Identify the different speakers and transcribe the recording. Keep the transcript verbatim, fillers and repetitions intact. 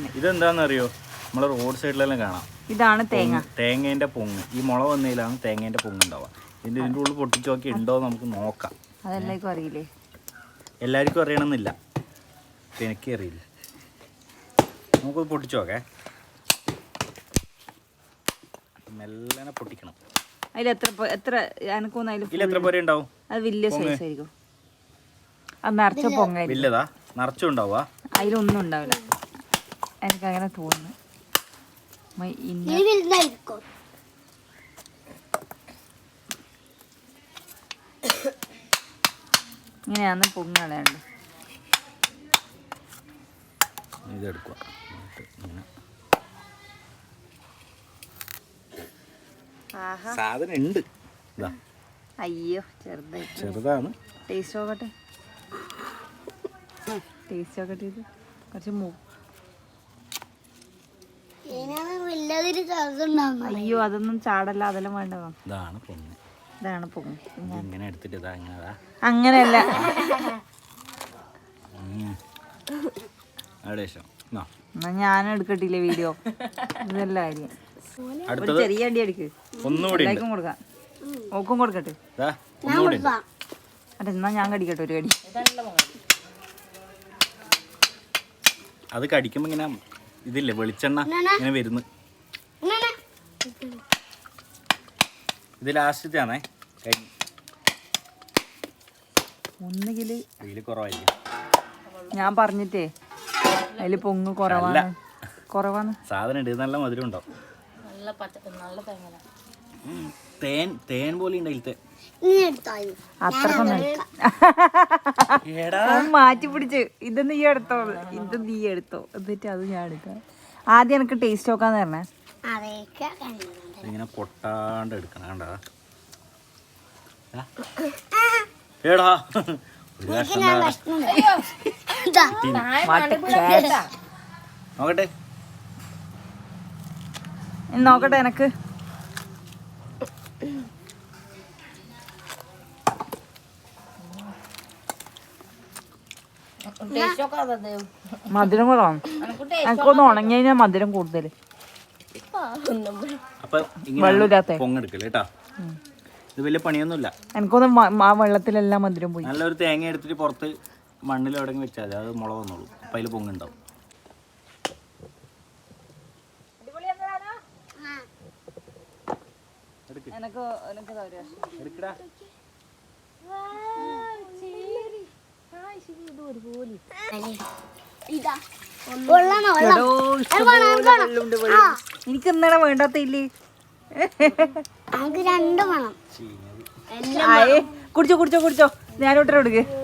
Speaker 1: തന്നെ.
Speaker 2: ഇതെന്താണെന്നറിയോ, നമ്മളെ റോഡ് സൈഡിലെല്ലാം കാണാം.
Speaker 1: ഇതാണ് തേങ്ങ,
Speaker 2: തേങ്ങേൻ്റെ പൊങ്ങ്. ഈ മുള വന്നതിലാണ് തേങ്ങേൻ്റെ പൊങ്ങ് ഉണ്ടാവുക. ഇതിൻ്റെ ഇതിൻ്റെ ഉള്ളിൽ പൊട്ടിച്ച് നോക്കി ഉണ്ടോ നമുക്ക് നോക്കാം.
Speaker 1: അതെല്ലാവർക്കും അറിയില്ലേ?
Speaker 2: എല്ലാവർക്കും അറിയണമെന്നില്ല, എനിക്ക് അറിയില്ല. നമുക്കത് പൊട്ടിച്ച് നോക്കേ. മെല്ലനെ പൊട്ടിക്കണം.
Speaker 1: അതിൽ എത്ര എത്ര എനക്കൊന്നും അതിൽ
Speaker 2: ഇതിൽ എത്ര പേരെ ഉണ്ടാവും?
Speaker 1: അത് വലിയ സൈസ് ആയിരിക്കും. അത് നിറച്ച പൊങ്ങായിരിക്കും.
Speaker 2: വലുതാ നിറച്ചും ഉണ്ടാവുക?
Speaker 1: അതിലൊന്നും ഉണ്ടാവില്ല, എനിക്കങ്ങനെ തോന്നുന്നു. ഇങ്ങനെയാന്ന് പൊങ്ങ് കളയാണ്ട്.
Speaker 2: ഇതെടുക്കുക. സാധനം ഉണ്ട്.
Speaker 1: അയ്യോ ചെറുതായി
Speaker 2: ചെറുതാണ്.
Speaker 1: ടേസ്റ്റ് നോക്കട്ടെ, ടേസ്റ്റ് നോക്കട്ടെ. ഇത് കുറച്ച് മൂ അയ്യോ അതൊന്നും ചാടല്ല, അതെല്ലാം വേണ്ടതാ.
Speaker 2: ഇതാണ് പൊങ്ങ്.
Speaker 1: ഇതാണ് പൊങ്ങ്.
Speaker 2: ഇങ്ങനെ എടുത്തിട്ട് ഇതാ ഇങ്ങനെ.
Speaker 1: അങ്ങനെയല്ല, എന്നാ ഞാൻ എടുക്കട്ടില്ലേ വീഡിയോ? ഇതല്ല കാര്യം. ചെറിയ അടി അടിക്ക്, എല്ലാവർക്കും കൊടുക്കാം. ഓക്കും കൊടുക്കട്ടെ. അതെ എന്നാ ഞാൻ കടിക്കട്ടെ ഒരു കടി.
Speaker 2: അത് കടിക്കുമ്പോ ഇങ്ങനെ ഇതില്ലേ വെളിച്ചെണ്ണ ഇങ്ങനെ വരുന്നു. ഇത് ലാസ്റ്റത്തെ ആണേ.
Speaker 1: ഒന്നുകില്
Speaker 2: ഇതില് കുറവായിരിക്കും.
Speaker 1: ഞാൻ പറഞ്ഞിട്ടേ അതില് പൊങ്ങ് കുറവാണ്, കുറവാണ്.
Speaker 2: സാധനം ഉണ്ട്, നല്ല മധുരം ഉണ്ടാവും. തേൻ തേൻ പോലെ ഉണ്ട്.
Speaker 1: അത്രക്കൊന്നും മാറ്റി പിടിച്ച് ഇത് നീ എടുത്തോ, ഇത് നീ എടുത്തോ, എന്നിട്ട് അത് ഞാൻ എടുക്കാം. ആദ്യം എനിക്ക് ടേസ്റ്റ് നോക്കാന്ന് പറഞ്ഞേ.
Speaker 2: ഇങ്ങനെ പൊട്ടാണ്ട് എടുക്കണം. കണ്ടാ ഏടാ നോക്കട്ടെ
Speaker 1: നോക്കട്ടെ എനക്ക്. മധുരം കുറവാണ്. എനിക്കൊന്ന് ഉണങ്ങി കഴിഞ്ഞാൽ മധുരം കൂടുതൽ. വെള്ളമില്ലാത്ത
Speaker 2: പൊങ്ങെടുക്കല്ലേ കേട്ടാ. ഇത് വലിയ പണിയൊന്നുമില്ല.
Speaker 1: എനിക്കൊന്നും ആ വെള്ളത്തിലെല്ലാം മധുരം പോയി.
Speaker 2: നല്ലൊരു തേങ്ങ എടുത്തിട്ട് പുറത്ത് മണ്ണിൽ എവിടെ വെച്ചാൽ മതി, അത് മുള വന്നോളൂ. അപ്പം അതിൽ പൊങ്ങുണ്ടാവും. എടുക്കടാ.
Speaker 1: എനിക്ക് ഇന്നലെ വേണ്ടാത്തില്ലേ? കുടിച്ചോ കുടിച്ചോ കുടിച്ചോ, ഞാനോട്ടെ കൊടുക്ക്.